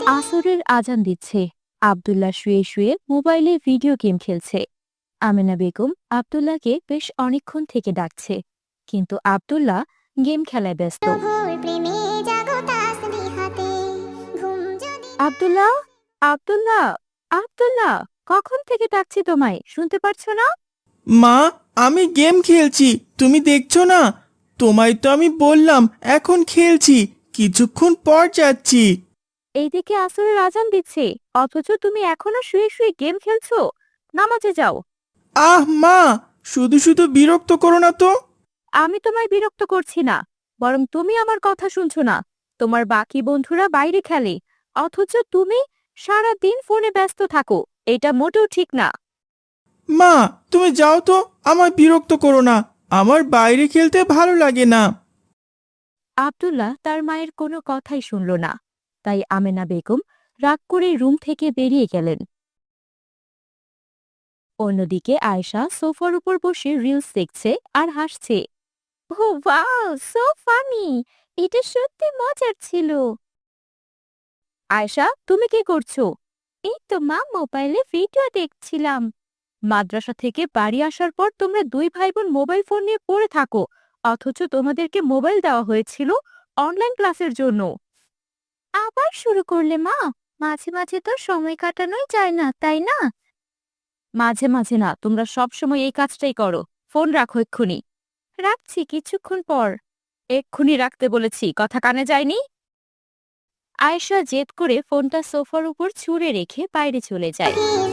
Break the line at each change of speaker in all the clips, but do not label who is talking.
আসরের আজান দিচ্ছে। আব্দুল্লাহ শুয়ে শুয়ে মোবাইলে ভিডিও গেম খেলছে। আমেনা বেগম আব্দুল্লাহকে বেশ অনেকক্ষণ থেকে ডাকছে, কিন্তু আব্দুল্লাহ গেম খেলায় ব্যস্ত। আব্দুল্লাহ, আব্দুল্লাহ, আব্দুল্লাহ, কখন থেকে ডাকছি তোমায়, শুনতে পারছো না?
মা, আমি গেম খেলছি, তুমি দেখছো না? তোমায় তো আমি বললাম এখন খেলছি, কিছুক্ষণ পর যাচ্ছি।
এইদিকে আসরের আজান দিচ্ছে, অথচ তুমি এখনো শুয়ে শুয়ে গেম খেলছো। নামাজে যাও।
আহ মা, শুধু শুধু বিরক্ত করো না তো।
আমি তোমায় বিরক্ত করছি না, বরং তুমি আমার কথা শুনছো না। তোমার বাকি বন্ধুরা বাইরে খেলে, অথচ তুমি সারা দিন ফোনে ব্যস্ত থাকো। এটা মোটেও ঠিক না।
মা, তুমি যাও তো, আমায় বিরক্ত করো না, আমার বাইরে খেলতে ভালো লাগে না।
আব্দুল্লাহ তার মায়ের কোনো কথাই শুনল না, তাই আমেনা বেগম রাগ করে রুম থেকে বেরিয়ে গেলেন। অন্যদিকে আয়েশা সোফার উপর বসে রিলস দেখছে আর হাসছে। Oh wow, so funny! এটা সত্যি মজার ছিল। আয়েশা, তুমি কি করছো? এই তো মা, মোবাইলে ভিডিও দেখছিলাম। মাদ্রাসা থেকে বাড়ি আসার পর তোমরা দুই ভাই বোন মোবাইল ফোন নিয়ে পড়ে থাকো, অথচ তোমাদেরকে মোবাইল দেওয়া হয়েছিল অনলাইন ক্লাসের জন্য। আবার শুরু করলে মা? মাঝে মাঝে তো সময় কাটানোই যায় না, তাই না? মাঝে মাঝে না, তোমরা সব সময় এই কাজটাই করো। ফোন রাখো এক্ষুনি। রাখছি কিছুক্ষণ পর। এক্ষুনি রাখতে বলেছি, কথা কানে যায়নি? আয়েশা জেদ করে ফোনটা সোফার উপর ছুঁড়ে রেখে বাইরে চলে যায়।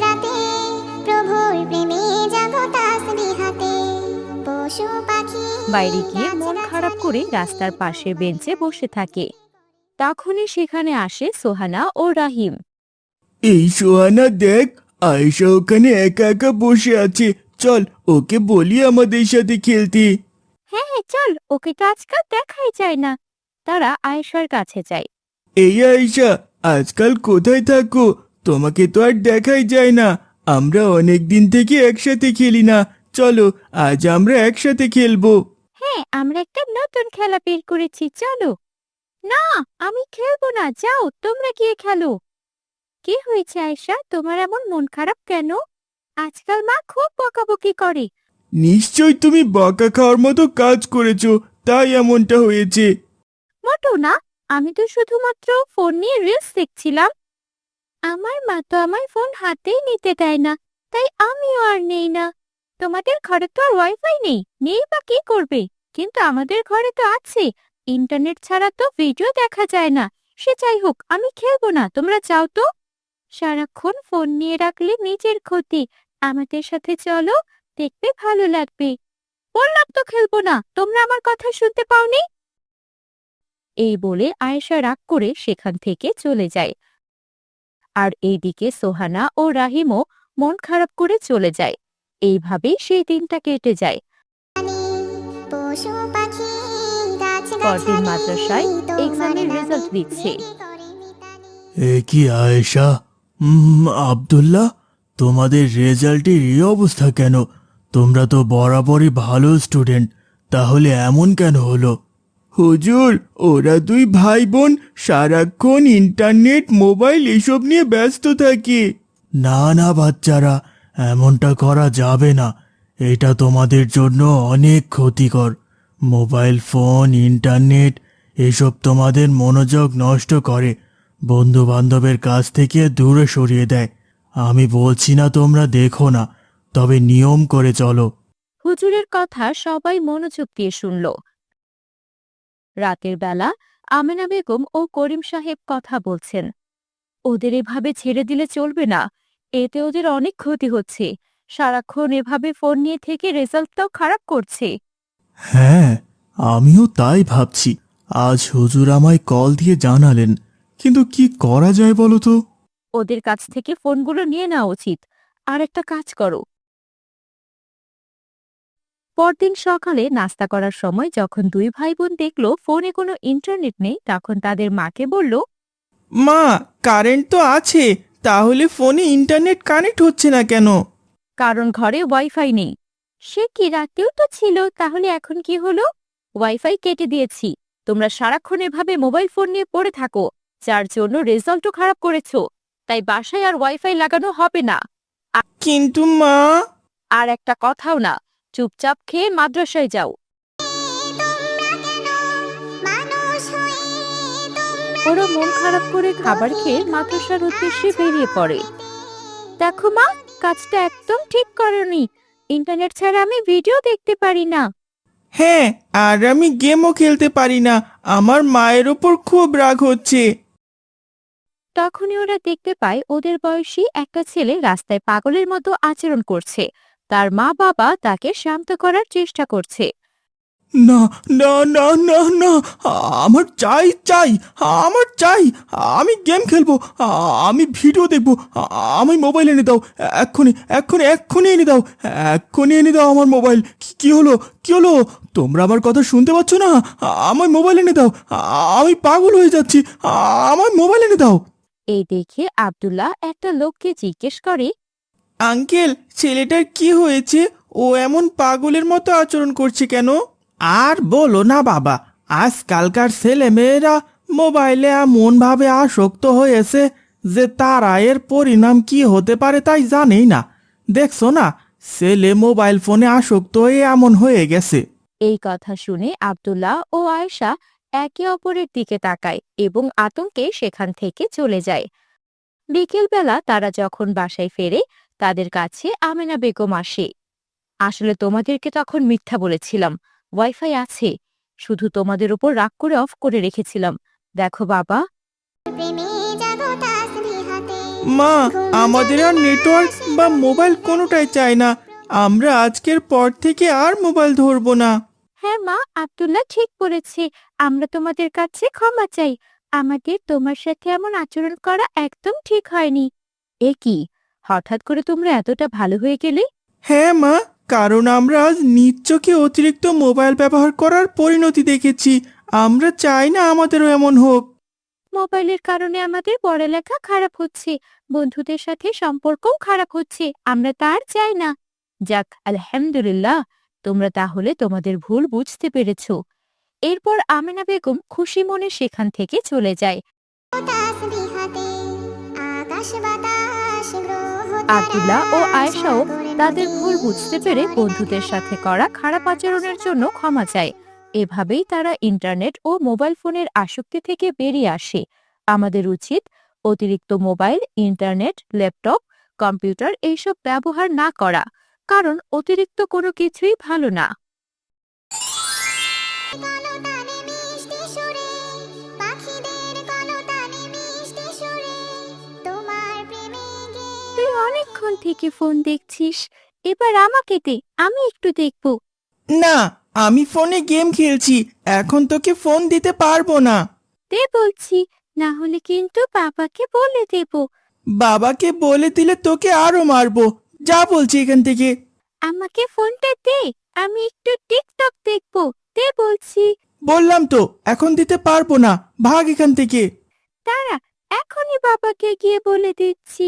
বাইরে গিয়ে মন খারাপ করে রাস্তার পাশে বেঞ্চে বসে থাকে। তখনই সেখানে আসে সোহানা ও রাহিম।
এই সোহানা দেখ, আয়েশা ওখানে একা একা বসে আছে, চল ওকে বলি আমাদের সাথে খেলতে।
হ্যাঁ হ্যাঁ, চল, ওকে তো আজকাল দেখাই যায় না। তারা আয়েশার কাছে যায়।
এই আয়েশা, আজকাল কোথায় থাকো? তোমাকে তো আর দেখাই যায় না। আমরা অনেক দিন থেকে একসাথে খেলি না, চলো আজ আমরা একসাথে খেলবো।
হ্যাঁ, আমরা একটা নতুন খেলা বের করেছি, চলো। না, আমি খেলবো না, যাও তোমরা গিয়ে খেলো। কি হয়েছে আয়েশা, তোমার এমন মন খারাপ কেন? আজকাল মা খুব বকাবকি করে।
নিশ্চয় তুমি বকা খাওয়ার মতো কাজ করেছো, তাই এমনটা হয়েছে।
মোটেও না, আমি তো শুধুমাত্র ফোন নিয়ে রিলস দেখছিলাম। আমার মা তো আমার ফোন হাতেই নিতে দেয় না, তাই আমিও আর নেই না। তোমাদের ঘরে তো আর ওয়াইফাই নেই, নেই বা কি করবে? কিন্তু আমাদের ঘরে তো আছে। ইন্টারনেট ছাড়া তো ভিডিও দেখা যায় না। সে যাই হোক, আমি খেলবো না, তোমরা যাও তো। সারাক্ষণ ফোন নিয়ে রাখলে নিজের ক্ষতি। আমাদের সাথে চলো, দেখবে ভালো লাগবে। বললাম তো খেলবো না, তোমরা আমার কথা শুনতে পাওনি? এই বলে আয়েশা রাগ করে সেখান থেকে চলে যায়। আর এইদিকে সোহানা ও রাহিমও মন খারাপ করে চলে যায়। এইভাবেই সেই দিনটা কেটে যায়। পরদিন মাদ্রাসায় এক্সামের রেজাল্ট দিচ্ছে।
এ কি আয়েশা, আব্দুল্লাহ, তোমাদের রেজাল্টের এই অবস্থা কেন? তোমরা তো বরাবরই ভালো স্টুডেন্ট, তাহলে এমন কেন হলো? হুজুর, ওরা দুই ভাই বোন সারাক্ষণ ইন্টারনেট মোবাইল এসব নিয়ে ব্যস্ত থাকে। না না বাচ্চারা, এমনটা করা যাবে না, এটা তোমাদের জন্য অনেক ক্ষতিকর। মোবাইল ফোন, ইন্টারনেট এসব তোমাদের মনোযোগ নষ্ট করে, বন্ধু বান্ধবের কাছ থেকে দূরে সরিয়ে দেয়। আমি বলছি না তোমরা দেখো না, তবে নিয়ম করে চলো।
হুজুরের কথা সবাই মনোযোগ দিয়ে শুনল। রাতের বেলা আমেনা বেগম ও করিম সাহেব কথা বলছেন। ওদের এভাবে ছেড়ে দিলে চলবে না, এতে ওদের অনেক ক্ষতি হচ্ছে। সারাক্ষণ এভাবে ফোন নিয়ে থেকে রেজাল্টটাও খারাপ করছে।
হ্যাঁ, আমিও তাই ভাবছি। আজ হুজুর আমায় কল দিয়ে জানালেন, কিন্তু কি করা যায় বলো তো?
ওদের কাছ থেকে ফোনগুলো নিয়ে নেওয়া উচিত। আর একটা কাজ করো। পরদিন সকালে নাস্তা করার সময় যখন দুই ভাই বোন দেখলো ফোনে কোনো ইন্টারনেট নেই, তখন তাদের মাকে বলল,
মা, কারেন্ট তো আছে, তাহলে ফোনে ইন্টারনেট কানেক্ট হচ্ছে না কেন?
কারণ ঘরে ওয়াইফাই নেই। সে কি, রাতেও তো ছিল, তাহলে এখন কি হলো? ওয়াইফাই কেটে দিয়েছি। তোমরা সারাক্ষণ এভাবে মোবাইল ফোন নিয়ে পড়ে থাকো। যার জন্য রেজাল্টও খারাপ করেছো। তাই বাসায় আর ওয়াইফাই লাগানো হবে না।
কিন্তু মা,
আর একটা কথাও না, চুপচাপ খেয়ে মাদ্রাসায় যাও। ওরা মন খারাপ করে খাবার খেয়ে মাদ্রাসার উদ্দেশ্যে বেরিয়ে পড়ে। দেখো মা, কাজটা একদম ঠিক করনি। ইন্টারনেট ছাড়া আমি ভিডিও দেখতে পারি না।
হ্যাঁ, আর আমি গেমও খেলতে পারি না। আমার মায়ের ওপর খুব রাগ হচ্ছে।
তখনই ওরা দেখতে পায় ওদের বয়সী একটা ছেলে রাস্তায় পাগলের মতো আচরণ করছে। তার মা বাবা তাকে শান্ত করার চেষ্টা করছে।
না, না, না, না, না, আমার চাই চাই, আমার চাই। আমি গেম খেলবো, আমি ভিডিও দেখবো। আমি মোবাইল এনে দাও, এক্ষুনি, এক্ষুনি, এক্ষুনি এনে দাও, এক্ষুনি এনে দাও আমার মোবাইল। কি হলো, কি হলো? তোমরা আমার কথা শুনতে পাচ্ছ না? আমার মোবাইল এনে দাও, আমি পাগল হয়ে যাচ্ছি। আমার মোবাইল এনে দাও।
এই দেখে আব্দুল্লাহ একটা লোককে জিজ্ঞেস করে,
আঙ্কেল, ছেলেটার কি হয়েছে? ও এমন পাগলের মতো আচরণ করছে কেন? আর বলো না বাবা, আজকালকার ছেলে মেয়েরা মোবাইলে এমন ভাবে আসক্ত হয়েছে যে তারা এর পরিণাম কি হতে পারে তাই জানেই না। দেখছো না, ছেলে মোবাইল ফোনে আসক্ত হয়ে এমন হয়ে গেছে।
এই কথা শুনে আব্দুল্লাহ ও আয়েশা একে অপরের দিকে তাকায় এবং আতঙ্কে সেখান থেকে চলে যায়। বিকেলবেলা তারা যখন বাসায় ফেরে, তাদের কাছে আমেনা বেগম আসে। আসলে তোমাদেরকে তখন মিথ্যা বলেছিলাম, ওয়াইফাই আছে, শুধু তোমাদের উপর রাগ করে অফ করে রেখেছিলাম। দেখো বাবা।
মা, আমাদের আর নেটওয়ার্ক বা মোবাইল কোনোটাই চাই না। আমরা আজকের পর থেকে আর মোবাইল ধরবো না।
হ্যাঁ মা, আব্দুল্লাহ ঠিক বলেছে। আমরা তোমাদের কাছে ক্ষমা চাই। আমাদের তোমার সাথে এমন আচরণ করা একদম ঠিক হয়নি। এ কি, হঠাৎ করে তোমরা এতটা ভালো হয়ে গেলে?
হ্যাঁ মা, কারণ আমরা আজ নিজ চোখে অতিরিক্ত মোবাইল ব্যবহার করার পরিণতি দেখেছি। আমরা চাই না আমাদেরও এমন হোক।
মোবাইলের কারণে আমাদের পড়ালেখা খারাপ হচ্ছে, বন্ধুদের সাথে সম্পর্কও খারাপ হচ্ছে। আমরা তার চাই না। যাক, আলহামদুলিল্লাহ, তোমরা তাহলে তোমাদের ভুল বুঝতে পেরেছ। এরপর আমেনা বেগম খুশি মনে সেখান থেকে চলে যায়। আব্দুল্লাহ ও আয়েশাও তাদের ভুল বুঝতে পেরে বন্ধুদের সাথে করা খারাপ আচরণের জন্য ক্ষমা চায়। এভাবেই তারা ইন্টারনেট ও মোবাইল ফোনের আসক্তি থেকে বেরিয়ে আসে। আমাদের উচিত অতিরিক্ত মোবাইল, ইন্টারনেট, ল্যাপটপ, কম্পিউটার এইসব ব্যবহার না করা, কারণ অতিরিক্ত কোনো কিছুই ভালো না। তুই অনেকক্ষণ থেকে ফোন দেখছিস, এবার আমাকে দে, আমি একটু দেখব।
না, আমি ফোনে গেম খেলছি, এখন তোকে ফোন দিতে পারবো না।
দে বলছি, না হলে কিন্তু বাবাকে বলে দেব।
বাবাকে বলে দিলে তোকে আরো মারবো। যা বলছি এখান থেকে।
আমাকে ফোনটা দে, আমি একটু টিকটক দেখব। দে বলছি।
বললাম তো, এখন দিতে পারবো না, ভাগ এখান থেকে।
দাঁড়া, এখনই বাবাকে গিয়ে বলে দিচ্ছি।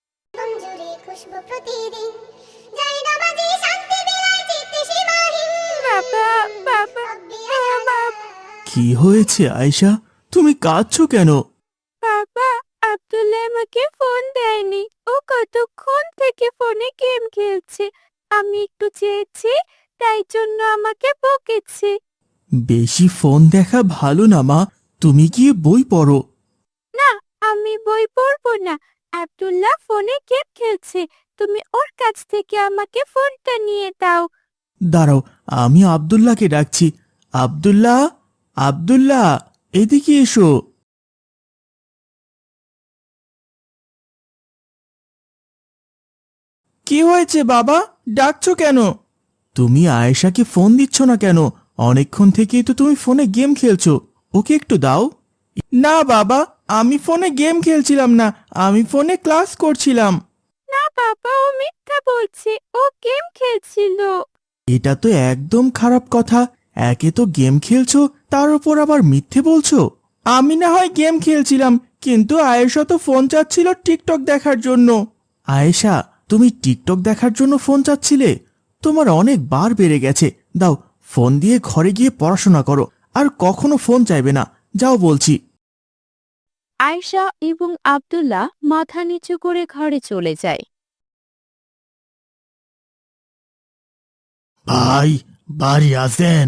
বাবা, বাবা, বাবা,
কি হয়েছে আয়েশা, তুমি কাঁদছো কেন?
বাবা, আব্দুল্লাহ আমাকে ফোন দেয়নি। ও কতক্ষণ থেকে ফোনে গেম খেলছে। আমি একটু চেয়েছি, তাই জন্য আমাকে বকেছে।
বেশি ফোন দেখা ভালো না মা, তুমি গিয়ে বই পড়ো।
না, আমি বই পড়বো না। আব্দুল্লাহ ফোনে গেম খেলছে। তুমি ওর কাছ থেকে আমাকে ফোনটা নিয়ে দাও।
দাঁড়াও, আমি আব্দুল্লাহকে ডাকছি। আব্দুল্লাহ, আব্দুল্লাহ, এদিকে এসো। কি হয়েছে বাবা, ডাকছো কেন? তুমি আয়েশাকে ফোন দিচ্ছ না কেন? অনেকক্ষণ থেকেই তো তুমি ফোনে গেম খেলছো, ওকে একটু দাও। না বাবা, আমি ফোনে গেম খেলছিলাম না, আমি ফোনে ক্লাস করছিলাম।
না বাবা, ও মিথ্যা বলছে, ও গেম খেলছিল।
এটা তো একদম খারাপ কথা। একে তো গেম খেলছো, তার উপর আবার মিথ্যে বলছো। আমি না হয় গেম খেলছিলাম, কিন্তু আয়েশা তো ফোন চাচ্ছিল টিকটক দেখার জন্য। আয়েশা, তুমি টিকটক দেখার জন্য ফোন চাচ্ছিলে? তোমার অনেক বার বেড়ে গেছে। দাও, ফোন দিয়ে ঘরে গিয়ে পড়াশোনা করো, আর কখনো ফোন চাইবে না। যাও বলছি।
আয়েশা এবং আব্দুল্লাহ মাথা নিচু করে ঘরে চলে যায়।
ভাই, বাড়ি আছেন?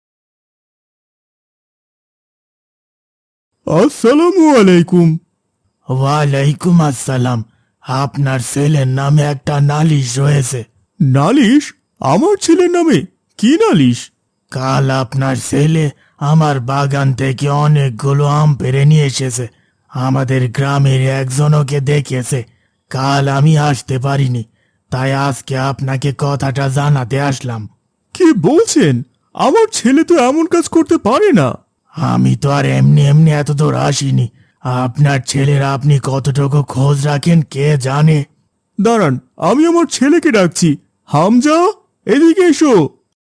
আসসালামু আলাইকুম। ওয়ালাইকুম আসসালাম। আপনার ছেলের নামে একটা নালিশ রয়েছে। নালিশ? আমার ছেলের নামে? কি নালিশ? কাল আপনার ছেলে আমার বাগান থেকে অনেকগুলো আম পেড়ে নিয়ে এসেছে। আমাদের গ্রামের একজনকে দেখেছে। কাল আমি আসতে পারিনি, তাই আজকে আপনাকে কথাটা জানাতে আসলাম। কি বলছেন? আমার ছেলে তো এমন কাজ করতে পারে না। আমি তো আর এমনি এমনি এত দূর আসিনি। আপনার ছেলের আপনি কতটুকু খোঁজ রাখেন কে জানে। দাঁড়ান, আমি আমার ছেলেকে ডাকছি। হামজা, এদিকে এসো।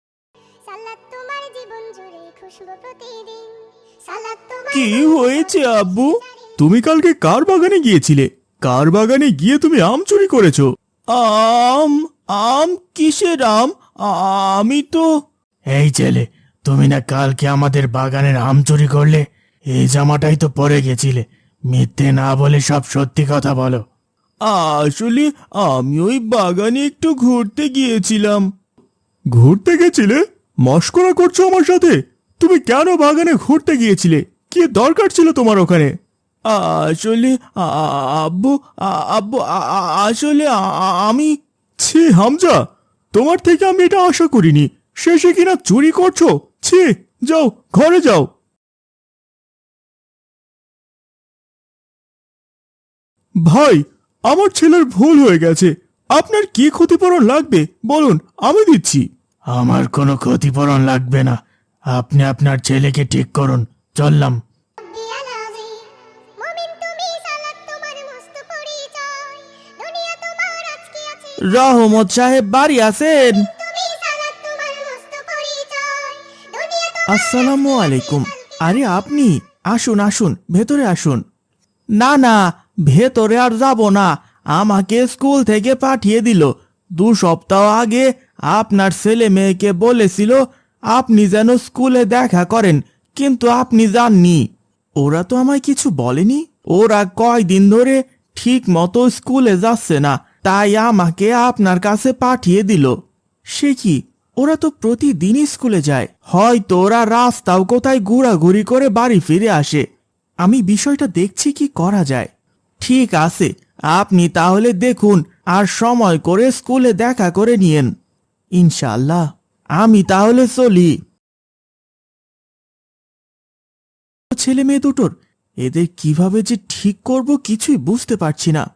কি হয়েছে আব্বু? তুমি কালকে কার বাগানে গিয়েছিলে? কার বাগানে গিয়ে তুমি আম চুরি করেছো? আম? আম? কিসের আম? আমি তো... এই ছেলে, তুমি না কালকে আমাদের বাগানের আম চুরি করলে? এই জামাটাই তো পরে গেছিলে। মিথ্যে না বলে সব সত্যি কথা বলো। আসলে আমি ওই বাগানে একটু ঘুরতে গিয়েছিলাম। ঘুরতে গেছিলে? মশকরা করছো আমার সাথে? তুমি কেন বাগানে ঘুরতে গিয়েছিলে? কি দরকার ছিল তোমার ওখানে? আসলে আব্বু, আব্বু, আসলে আমি... ছি হামজা, তোমার থেকে আমি এটা আশা করিনি। শেষে কিনা চুরি করছো? ছি, যাও ঘরে যাও। ভাই, আমার ছেলের ভুল হয়ে গেছে। আপনার কি ক্ষতিপূরণ লাগবে বলুন, আমি দিচ্ছি। আমার কোনো ক্ষতিপূরণ লাগবে না। আপনি আপনার ছেলেকে ঠিক করুন। চললাম। রহমত সাহেব বাড়ি আছেন? আসসালামু আলাইকুম। আরে আপনি? আসুন আসুন, ভেতরে আসুন। না না, ভেতরে আর যাব না। আমাকে স্কুল থেকে পাঠিয়ে দিল। 2 সপ্তাহ আগে আপনার ছেলে মেয়েকে বলেছিল আপনি যেন স্কুলে দেখা করেন, কিন্তু আপনি যাননি। ওরা তো আমায় কিছু বলেনি। ওরা কয়দিন ধরে ঠিক মতো স্কুলে যাচ্ছে না, তাই আমাকে আপনার কাছে পাঠিয়ে দিল। সে কি, ওরা তো প্রতিদিনই স্কুলে যায়। হয়তো ওরা রাস্তাও কোথায় ঘোরাঘুরি করে বাড়ি ফিরে আসে। আমি বিষয়টা দেখছি কি করা যায়। ঠিক আছে, আপনি তাহলে দেখুন আর সময় করে স্কুলে দেখা করে নিয়েন। ইনশাআল্লাহ। আমি তাহলে চলি। ছেলে মেয়ে দুটোর এদের কিভাবে যে ঠিক করব কিছুই বুঝতে পারছি না।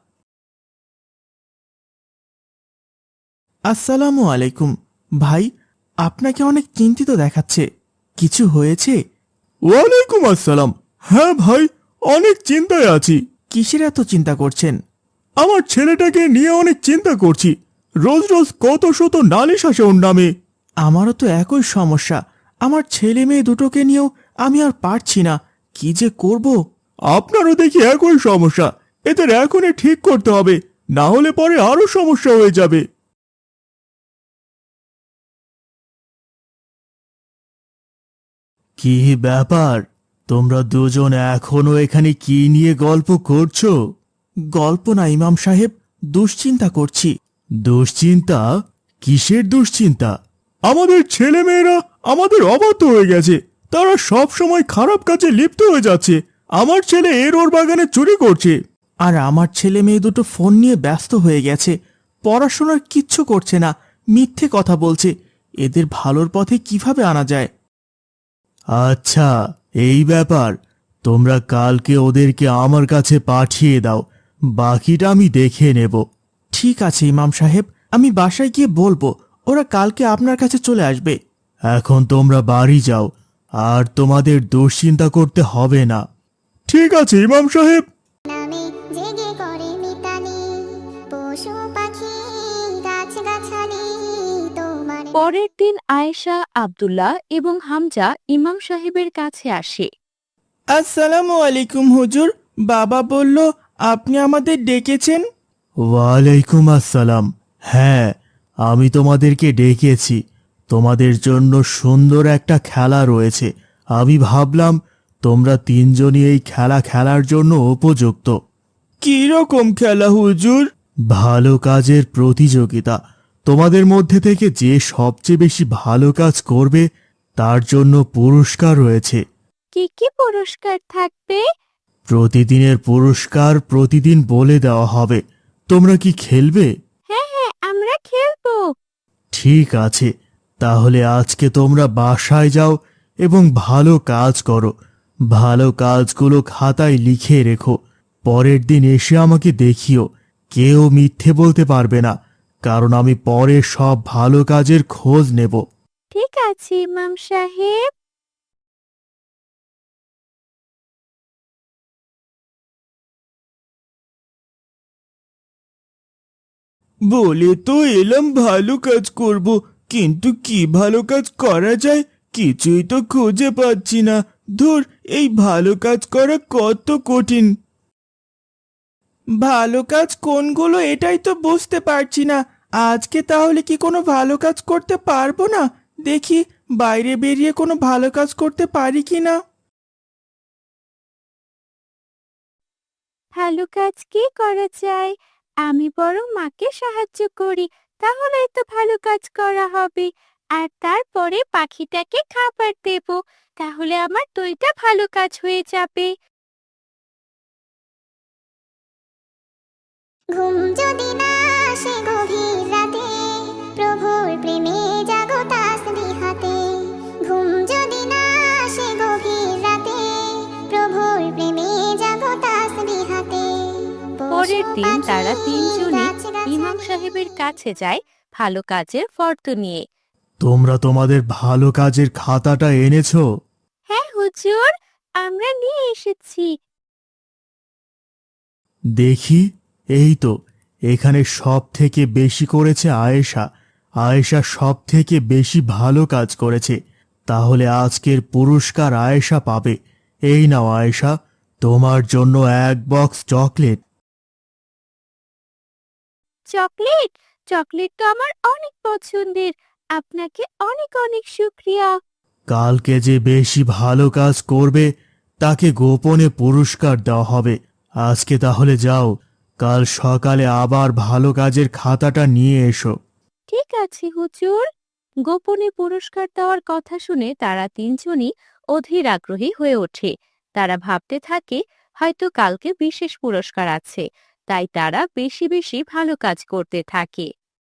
আসসালামু আলাইকুম। ভাই, আপনাকে অনেক চিন্তিত দেখাচ্ছে। কিছু হয়েছে? ওয়ালাইকুম আসসালাম। হ্যাঁ ভাই, অনেক চিন্তায় আছি। কিসের এত চিন্তা করছেন? আমার ছেলেটাকে নিয়ে অনেক চিন্তা করছি। রোজ রোজ কত শত নালিশ আসে ওর নামে। আমারও তো একই সমস্যা। আমার ছেলে মেয়ে দুটোকে নিয়েও আমি আর পারছি না। কি যে করব। আপনারও দেখি একই সমস্যা। এদের এখনই ঠিক করতে হবে, না হলে পরে আরো সমস্যা হয়ে যাবে। কি ব্যাপার? তোমরা দুজন এখনো এখানে কি নিয়ে গল্প করছো? গল্প না ইমাম সাহেব, দুশ্চিন্তা করছি। দুশ্চিন্তা? কিসের দুশ্চিন্তা? আমাদের ছেলে মেয়েরা আমাদের অবাধ্য হয়ে গেছে। তারা সব সময় খারাপ কাজে লিপ্ত হয়ে যাচ্ছে। আমার ছেলে এর ওর বাগানে চুরি করছে। আর আমার ছেলে মেয়ে দুটো ফোন নিয়ে ব্যস্ত হয়ে গেছে। পড়াশোনার কিচ্ছু করছে না, মিথ্যে কথা বলছে। এদের ভালোর পথে কিভাবে আনা যায়? আচ্ছা, এই ব্যাপার। তোমরা কালকে ওদেরকে আমার কাছে পাঠিয়ে দাও, বাকিটা আমি দেখে নেব। ঠিক আছে ইমাম সাহেব, আমি বাসায় গিয়ে বলবো। ওরা কালকে আপনার কাছে চলে আসবে। এখন তোমরা বাড়ি যাও, আর তোমাদের দুশ্চিন্তা করতে হবে না। ঠিক আছে ইমাম সাহেব।
নামে জেগে করে মিতালি, পশু পাখি গাছগাছালি তোমার।
পরের দিন আয়েশা, আব্দুল্লাহ এবং হামজা ইমাম সাহেবের কাছে আসে।
আসসালামু আলাইকুম হুজুর। বাবা বলল আপনি আমাদের ডেকেছেন। ওয়ালাইকুম আসসালাম। হ্যাঁ, আমি তোমাদেরকে ডেকেছি। তোমাদের জন্য সুন্দর একটা খেলা রয়েছে। আমি ভাবলাম তোমরা তিনজনই এই খেলা খেলার জন্য উপযুক্ত। কি রকম খেলা হুজুর? ভালো কাজের প্রতিযোগিতা। তোমাদের মধ্যে থেকে যে সবচেয়ে বেশি ভালো কাজ করবে তার জন্য পুরস্কার রয়েছে।
কি কি পুরস্কার থাকবে?
প্রতিদিনের পুরস্কার প্রতিদিন বলে দেওয়া হবে। তোমরা কি খেলবে?
হ্যাঁ হ্যাঁ, আমরা খেলবো।
ঠিক আছে, তাহলে আজকে তোমরা বাসায় যাও এবং ভালো কাজ করো। ভালো কাজগুলো খাতায় লিখে রেখো। পরের দিন এসে আমাকে দেখিও। কেউ মিথ্যে বলতে পারবে না, কারণ আমি পরে সব ভালো কাজের খোঁজ নেব।
ঠিক আছে ইমাম সাহেব।
বলে তো এলাম ভালো কাজ করব, কিন্তু কি ভালো কাজ করা যায় কিছুই তো খুঁজে পাচ্ছি না। ধুর, এই ভালো কাজ করা কত কঠিন। ভালো কাজ কোনগুলো এটাই তো বুঝতে পারছি না। আজকে তাহলে কি কোনো ভালো কাজ করতে পারবো না? দেখি বাইরে বেরিয়ে কোনো ভালো কাজ করতে পারি কি না।
ভালো কাজ কি করা যায়? আমি বরং মাকে সাহায্য করি, তাহলেই তো ভালো কাজ করা হবে। আর তারপরে পাখিটাকে খাবার দেব, তাহলে আমার দুইটা ভালো কাজ হয়ে যাবে।
ঘুম যদি না আসে গভীর রাতে, প্রভুর প্রেমে জাগো তাসবিহ হাতে। ঘুম যদি না আসে গভীর রাতে, প্রভুর প্রেমে জাগো তাসবিহ হাতে।
পরের দিন তারা তিনজনই
গাছ-গাছালি
ইমাম সাহেবের কাছে যায় ভালো কাজের ফর্দ নিয়ে।
তোমরা তোমাদের ভালো কাজের খাতাটা এনেছো?
হ্যাঁ হুজুর, আমরা নিয়ে এসেছি।
দেখি, এই তো, এখানে সব থেকে বেশি করেছে আয়েশা। আয়েশা সব থেকে বেশি ভালো কাজ করেছে। তাহলে আজকের পুরস্কার আয়েশা পাবে। এই নাও আয়েশা, তোমার জন্য এক বক্স চকলেট।
চকলেট? চকলেট তো আমার অনেক পছন্দের। আপনাকে অনেক অনেক শুক্রিয়া।
কালকে যে বেশি ভালো কাজ করবে তাকে গোপনে পুরস্কার দেওয়া হবে। আজকে তাহলে যাও, কাল সকালে আবার ভালো কাজের খাতাটা নিয়ে এসো।
ঠিক আছে হুজুর। গোপনে পুরস্কার দেওয়ার কথা শুনে তারা তিনজনই অধীর আগ্রহী হয়ে ওঠে। তারা ভাবতে থাকে হয়তো কালকে বিশেষ পুরস্কার আছে, তাই তারা বেশি বেশি ভালো কাজ করতে থাকে।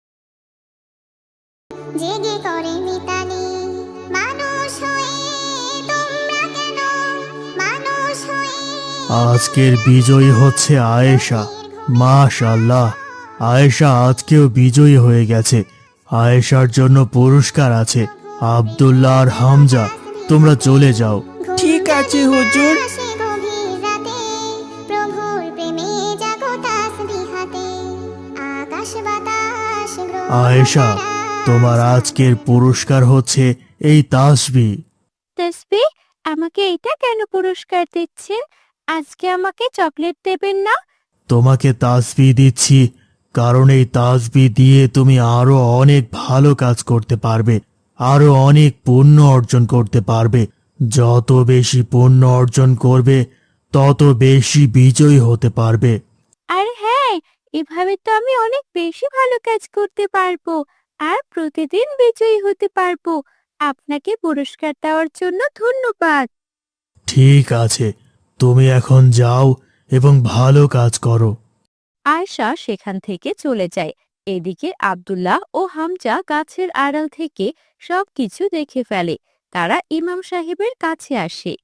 জেগে করে মিতালি, মানুষ হয়ে তোমরা কেন, মানুষ হয়ে
আজকের বিজয়ী হচ্ছে আয়েশা। মাশাআল্লাহ, আয়েশা আজকেও বিজয়ী হয়ে গেছে। আয়েশার জন্য পুরস্কার আছে। আব্দুল্লাহ আর হামজা, তোমরা চলে যাও।
ঠিক আছে হুজুর। গভীর রাতে, প্রভুর প্রেমে জাগো তাসবিহ হাতে। আকাশ বাতাস গ্রহ
আয়েশা, তোমার আজকের পুরস্কার হচ্ছে এই তাসবিহ।
তাসবিহ? আমাকে এটা কেন পুরস্কার দিচ্ছেন? আজকে আমাকে চকলেট দেবেন না?
তোমাকে তাসবিহ দিচ্ছি কারণ এই তাসবিহ দিয়ে তুমি আরো অনেক ভালো কাজ করতে পারবে, আরো অনেক পুণ্য অর্জন করতে পারবে। যত বেশি পুণ্য অর্জন করবে তত বেশি বিজয়ী হতে পারবে।
আর হ্যাঁ, এভাবে তো আমি অনেক বেশি ভালো কাজ করতে পারবো আর প্রতিদিন বিজয়ী হতে পারবো। আপনাকে পুরস্কার দেওয়ার জন্য ধন্যবাদ।
ঠিক আছে, তুমি এখন যাও এবং ভালো কাজ করো।
আয়শা সেখান থেকে চলে যায়। এদিকে আব্দুল্লাহ ও হামজা গাছের আড়াল থেকে সবকিছু দেখে ফেলে। তারা ইমাম সাহেবের কাছে আসে।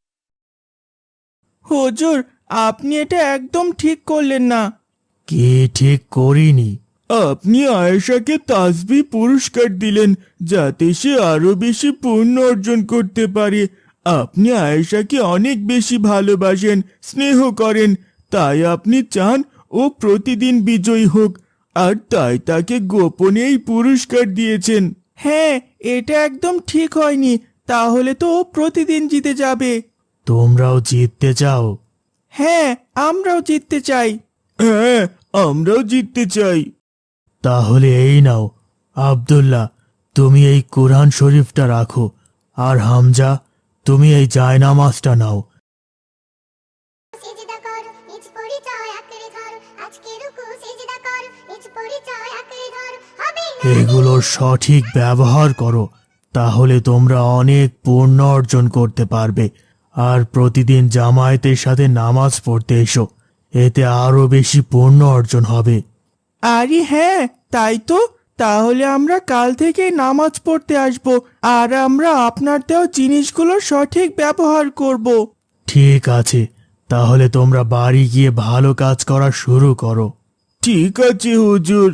হুজুর, আপনি এটা একদম ঠিক করলেন না।
কি ঠিক করিনি?
আপনি আয়েশাকে তাসবিহ পুরস্কার দিলেন যাতে সে আরো বেশি পুণ্য অর্জন করতে পারে। আপনি আয়েশাকে অনেক বেশি ভালোবাসেন, স্নেহ করেন, তাই আপনি চান ও প্রতিদিন বিজয়ী হোক, আর তাই তাকে গোপনে এই পুরস্কার দিয়েছেন। হ্যাঁ, এটা একদম ঠিক হয়নি। তাহলে তো ও প্রতিদিন জিতে যাবে।
তোমরাও জিততে চাও?
হ্যাঁ, আমরাও জিততে চাই। হ্যাঁ, আমরাও জিততে চাই।
তাহলে এই নাও, আব্দুল্লাহ, তুমি এই কোরআন শরীফটা রাখো, আর হামজা, তুমি এই জায়নামাজটা নাও।
নিজ পরিচয় আঁকড়ে ধরো, আজকে রুকু সিজদা করো, নিজ পরিচয় আঁকড়ে ধরো, হবে না
এগুলোর সঠিক ব্যবহার করো, তাহলে তোমরা অনেক পুণ্য অর্জন করতে পারবে। আর প্রতিদিন জামায়াতের সাথে নামাজ পড়তে এসো, এতে আরো বেশি পুণ্য অর্জন হবে।
আরে হ্যাঁ, তাই তো। তাহলে আমরা কাল থেকে নামাজ পড়তে আসব, আর আমরা আপনার দেওয়া জিনিসগুলোর সঠিক ব্যবহার করব।
ঠিক আছে, তাহলে তোমরা বাড়ি গিয়ে ভালো কাজ করা শুরু করো।
ঠিক আছে হুজুর।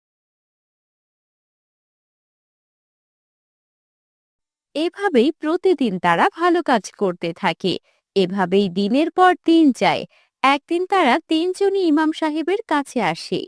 এভাবেই প্রতিদিন তারা ভালো কাজ করতে থাকে। এভাবেই দিনের পর দিন যায়। একদিন তারা তিনজনই ইমাম সাহেবের কাছে আসে।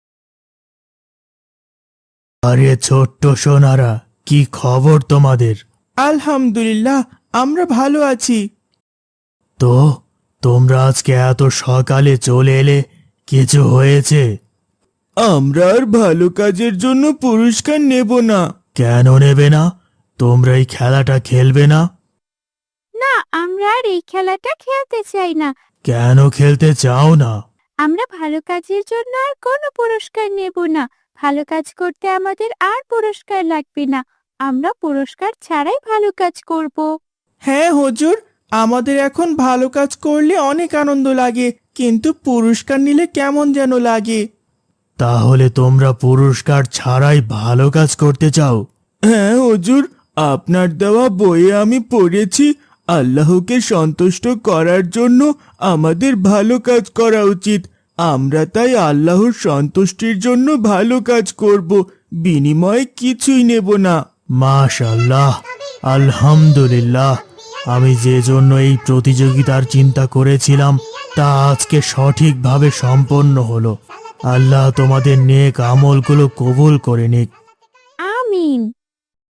আরে ছোট্ট সোনারা, কি খবর তোমাদের?
আলহামদুলিল্লাহ, আমরা ভালো আছি।
তো তোমরা আজকে এত সকালে চলে এলে, কিছু হয়েছে?
আমরা আর ভালো কাজের জন্য পুরস্কার নেব না।
কেন নেবে না? তোমরা এই খেলাটা খেলবে না?
না, আমরা আর এই খেলাটা খেলতে চাই না।
কেন খেলতে চাও না?
আমরা ভালো কাজের জন্য আর কোনো পুরস্কার নেব না। ভালো কাজ করতে আমাদের আর পুরস্কার লাগবে না। আমরা পুরস্কার ছাড়াই ভালো কাজ করব।
হ্যাঁ হুজুর, আমাদের এখন ভালো কাজ করলে অনেক আনন্দ লাগে, কিন্তু পুরস্কার নিলে কেমন যেন লাগে।
তাহলে তোমরা পুরস্কার ছাড়াই ভালো কাজ করতে চাও?
হ্যাঁ হুজুর, আপনার দেওয়া বইয়ে আমি পড়েছি আল্লাহকে সন্তুষ্ট করার জন্য আমাদের ভালো কাজ করা উচিত। আমরা তাই আল্লাহর সন্তুষ্টির জন্য ভালো কাজ করব, বিনিময়ে কিছুই নেব না।
মাশাআল্লাহ, আলহামদুলিল্লাহ। আমি যে জন্য এই প্রতিযোগিতার চিন্তা করেছিলাম তা আজকে সঠিকভাবে সম্পন্ন হলো। আল্লাহ তোমাদের নেক আমলগুলো কবুল করে নিক।
আমিন।